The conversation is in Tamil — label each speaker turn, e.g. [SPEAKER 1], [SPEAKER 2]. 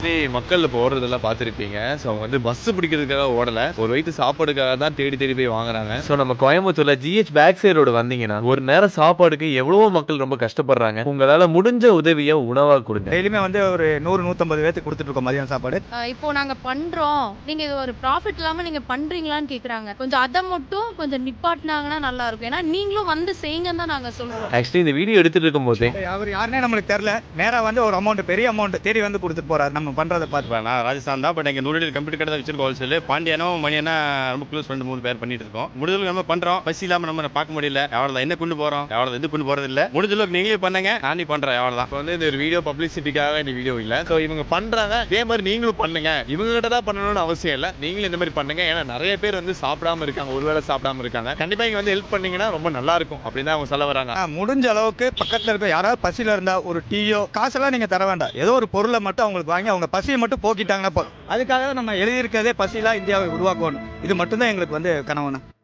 [SPEAKER 1] மக்கள் இப்போ ஓடுறதெல்லாம் பார்த்துருப்பீங்க. ஸோ அவங்க வந்து பஸ் பிடிக்கிறதுக்காக ஓடல. ஒரு வயித்து சாப்பாடுக்காக தான் தேடி தேடி போய் வாங்குறாங்க. ஸோ நம்ம கோயம்புத்தூர்ல ஜிஹெச் பேக் சைடு ரோடு வந்தீங்கன்னா ஒரு நேரம் சாப்பாடுக்கு எவ்வளவோ மக்கள் ரொம்ப கஷ்டப்படுறாங்க. உங்களால முடிஞ்ச உதவியை உணவா கொடுங்க.
[SPEAKER 2] டெய்லியுமே வந்து ஒரு 100-150 பேத்துக்கு கொடுத்துட்டு இருக்கோம் மதியம் சாப்பாடு.
[SPEAKER 3] இப்போ நாங்க பண்றோம், நீங்க இது ஒரு ப்ராஃபிட் இல்லாம நீங்க பண்றீங்களான்னு கேக்குறாங்க. கொஞ்சம் அத மட்டும் கொஞ்சம் நிப்பாட்டினாங்கன்னா நல்லா இருக்கும். ஏன்னா நீங்களும் வந்து செய்யுங்கன்னு தான் நாங்க சொல்றோம்.
[SPEAKER 1] ஆக்சுவலி இந்த வீடியோ எடுத்துட்டு இருக்கும் போதே
[SPEAKER 2] அவர் யாருன்னே நம்மளுக்கு தெரியல. நேரா வந்து ஒரு அமௌண்ட், பெரிய அமௌண்ட் தேடி வந்து கொடுத்துட்டு போறாரு. நம்ம பண்றதை பார்த்து
[SPEAKER 4] நான் ராஜஸ்தான் தான். பட் எங்கள் நூறு கம்ப்யூட்டர் கடை தான் வச்சிருக்கோம். ஹோல்சேல் பாண்டியனும் மணியனா ரொம்ப க்ளோஸ் ஃப்ரெண்ட் 3 பேர் பண்ணிட்டு இருக்கோம். முடிஞ்சளவுக்கு நம்ம பண்றோம். பசி இல்லாம நம்ம பார்க்க முடியல. எவ்வளோ என்ன கொண்டு போறோம், எவ்வளோ இது கொண்டு போறது இல்லை. முடிஞ்சளவுக்கு நீங்களே பண்ணுங்க, நானே பண்றேன். எவ்வளோதான்.
[SPEAKER 1] இப்போ வந்து இந்த ஒரு வீடியோ பப்ளிசிட்டிக்காக இந்த வீடியோ இல்லை. ஸோ இவங்க பண்றாங்க, இதே மாதிரி நீங்களும் பண்ணுங்க. இவங்க கிட்ட தான் பண்ணணும்னு அவசியம் இல்லை, நீங்களும் இந்த மாதிரி பண்ணுங்க. ஏன்னா நிறைய பேர் வந்து சாப்பிடாம இருக்காங்க, ஒருவேளை சாப்பிடாம இருக்காங்க. கண்டிப்பா இங்க வந்து ஹெல்ப் பண்ணீங்கன்னா ரொம்ப நல்லா இருக்கும் அப்படின்னு தான் அவங்க சொல்ல வராங்க.
[SPEAKER 2] முடிஞ்ச அளவுக்கு பக்கத்துல இருக்க யாராவது பசியில இருந்தா ஒரு டீயோ காசெல்லாம் நீங்க தர வேண்டாம். ஏதோ ஒரு பொருளை மட்டும் அவங்களுக்கு வாங்கி அவங்க பசியை மட்டும் போக்கிட்டாங்கன்னா அதுக்காக நம்ம எழுதியிருக்கிறதே பசியில்லா இந்தியாவை உருவாக்கணும். இது மட்டும்தான் எங்களுக்கு வந்து கனவுனா.